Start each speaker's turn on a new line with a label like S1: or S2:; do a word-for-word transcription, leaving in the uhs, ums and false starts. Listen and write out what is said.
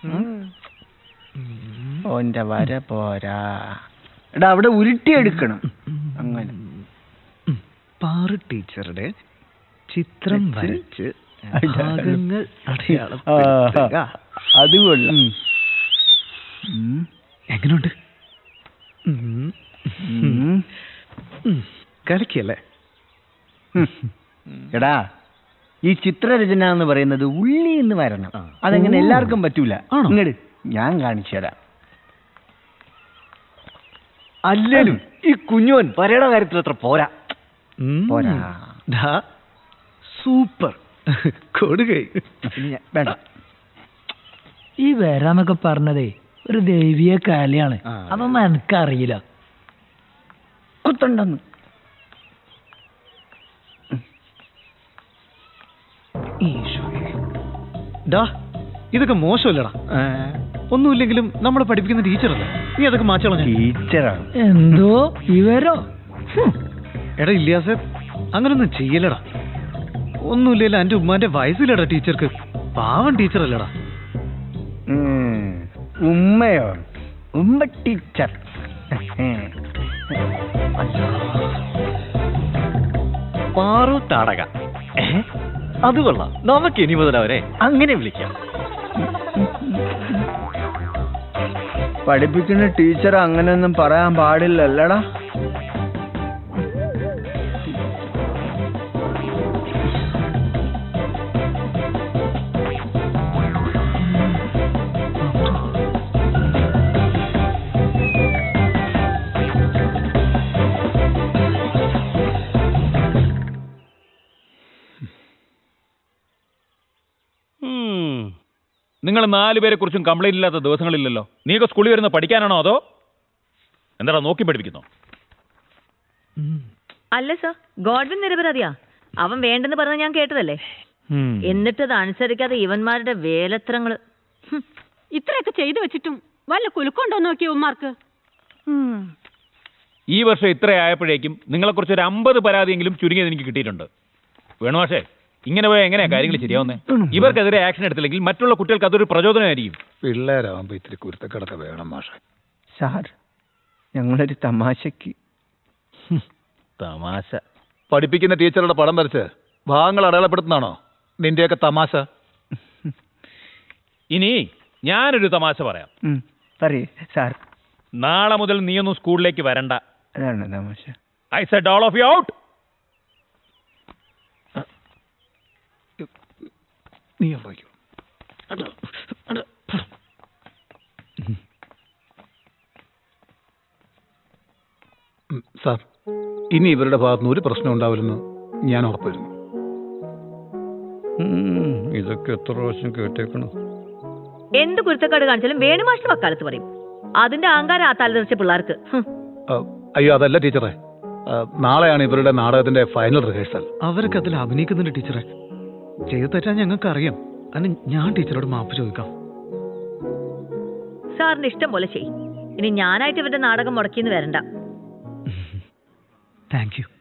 S1: ഓന്റെ വര പോരാ. എടാ അവിടെ ഉരുട്ടിയെടുക്കണം. അങ്ങനെ
S2: പാറു ടീച്ചറുടെ ചിത്രം വരച്ച് ഭാഗങ്ങൾ
S1: അത് കൊള്ളാം.
S2: എങ്ങനെയുണ്ട്? കളിക്കല്ലേ?
S1: എടാ ഈ ചിത്രരചന എന്ന് പറയുന്നത് ഉള്ളി എന്ന് വരണം. അതെങ്ങനെ എല്ലാവർക്കും പറ്റൂല. ഇങ്ങട് ഞാൻ കാണിച്ചു തരാം.
S2: അല്ലേലും ഈ കുഞ്ഞോൻ വരയുടെ കാര്യത്തിൽ അത്ര പോരാ.
S1: പോരാ.
S2: സൂപ്പർ കൊടുകൈ.
S1: വേണ്ട.
S3: ഈ വരാന്നൊക്കെ പറഞ്ഞതേ ഒരു ദൈവീയ കലയാണ്. അതൊന്നും എനിക്കറിയില്ല.
S1: കുത്തണ്ടെന്ന്
S2: ഇതൊക്കെ മോശമല്ലടാ. ഒന്നുമില്ലെങ്കിലും നമ്മളെ പഠിപ്പിക്കുന്ന ടീച്ചറല്ലേ, നീ അതൊക്കെ മാറ്റണം.
S1: ടീച്ചറാണ്
S3: എന്തോ ഇവരോ.
S2: എടാ ഇല്ലാസെ അങ്ങനൊന്നും ചെയ്യലടാ. ഒന്നുമില്ലല്ലോ എന്റെ ഉമ്മാന്റെ വയസ്സിലടാ ടീച്ചർക്ക്. പാവം ടീച്ചറല്ലടാ.
S1: ഉമ്മയോ? ഉമ്മ ടീച്ചർ.
S2: പാറു താടക. അത് കൊള്ളാം. നമുക്ക് ഇനി മുതൽ അവരെ അങ്ങനെ വിളിക്കാം.
S1: പഠിപ്പിക്കുന്ന ടീച്ചർ അങ്ങനെയൊന്നും പറയാൻ പാടില്ലല്ലടാ.
S4: നിങ്ങൾ നാല് പേരെ കുറിച്ചും കംപ്ലൈന്റ് ഇല്ലാത്ത ദിവസങ്ങളില്ലല്ലോ. നീയൊക്കെ സ്കൂളിൽ വരുന്ന പഠിക്കാനാണോ അതോ എന്താടാ നോക്കി പഠിപ്പിക്കുന്നോ?
S5: അല്ല സർ, ഗോഡ്വിൻ നിരപരാധിയാ. അവൻ വേണ്ടെന്ന് പറഞ്ഞ ഞാൻ കേട്ടതല്ലേ. എന്നിട്ടത് അനുസരിക്കാതെ ഇവന്മാരുടെ വേലത്രങ്ങള്.
S6: ഇത്രയൊക്കെ ചെയ്തു വെച്ചിട്ടും വല്ല കുലുക്കൊണ്ടോ നോക്കിയ ഉമ്മാർക്ക്.
S4: ഈ വർഷം ഇത്ര ആയപ്പോഴേക്കും നിങ്ങളെക്കുറിച്ച് ഒരു അമ്പത് പരാതിയെങ്കിലും ചുരുങ്ങിയത് എനിക്ക് കിട്ടിയിട്ടുണ്ട്. വേണു മാഷേ, ഇങ്ങനെ പോയാൽ എങ്ങനെയാ കാര്യങ്ങൾ ശരിയാവുന്നേ? ഇവർക്കെതിരെ ആക്ഷൻ എടുത്തില്ലെങ്കിൽ മറ്റുള്ള കുട്ടികൾക്ക് അതൊരു പ്രചോദനമായിരിക്കും.
S2: പിള്ളേരാവുമ്പോ ഇത്തിരി കുരുത്തക്കടൊക്കെ വേണം മാഷെ.
S1: സാർ, ഞങ്ങളൊരു തമാശക്ക്.
S4: തമാശ?
S2: പഠിപ്പിക്കുന്ന ടീച്ചറുടെ പടം വരച്ച് ഭാഗങ്ങൾ അടയാളപ്പെടുത്തുന്നതാണോ നിന്റെയൊക്കെ തമാശ?
S4: ഇനി ഞാനൊരു തമാശ പറയാം.
S1: പറയേ സാർ.
S4: നാളെ മുതൽ നീയൊന്നും സ്കൂളിലേക്ക് വരണ്ട.
S1: അതാണ് തമാശ.
S4: I said all of you out.
S2: നീ ഉണ്ടാക്കോ സാർ. ഇനി ഇവരുടെ ഭാഗത്തുനിന്ന് ഒരു പ്രശ്നം ഉണ്ടാവില്ലെന്ന് ഞാൻ ഉറപ്പുവരുന്നു.
S7: ഇതൊക്കെ എത്ര പ്രാവശ്യം കേട്ടേക്കണം.
S5: എന്ത് കുരുത്തക്കാട് കാണിച്ചാലും വേണുമാഷ്ട വക്കാലത്ത് പറയും. അതിന്റെ അഹങ്കാരം ആ തലതെറിച്ച പിള്ളേർക്ക്.
S2: അയ്യോ അതല്ല ടീച്ചറെ, നാളെയാണ് ഇവരുടെ നാടകത്തിന്റെ ഫൈനൽ റിഹേഴ്സൽ. അവരൊക്കെ അതിൽ അഭിനയിക്കുന്നുണ്ട് ടീച്ചറെ. ചെയ്തു തെറ്റാൻ ഞങ്ങൾക്ക് അറിയാം. അതിന് ഞാൻ ടീച്ചറോട് മാപ്പ് ചോദിക്കാം.
S5: സാറിന് ഇഷ്ടം പോലെ ചെയ്യും. ഇനി ഞാനായിട്ട് ഇവരുടെ നാടകം മുടക്കിന്ന് വരണ്ട.
S2: Thank U.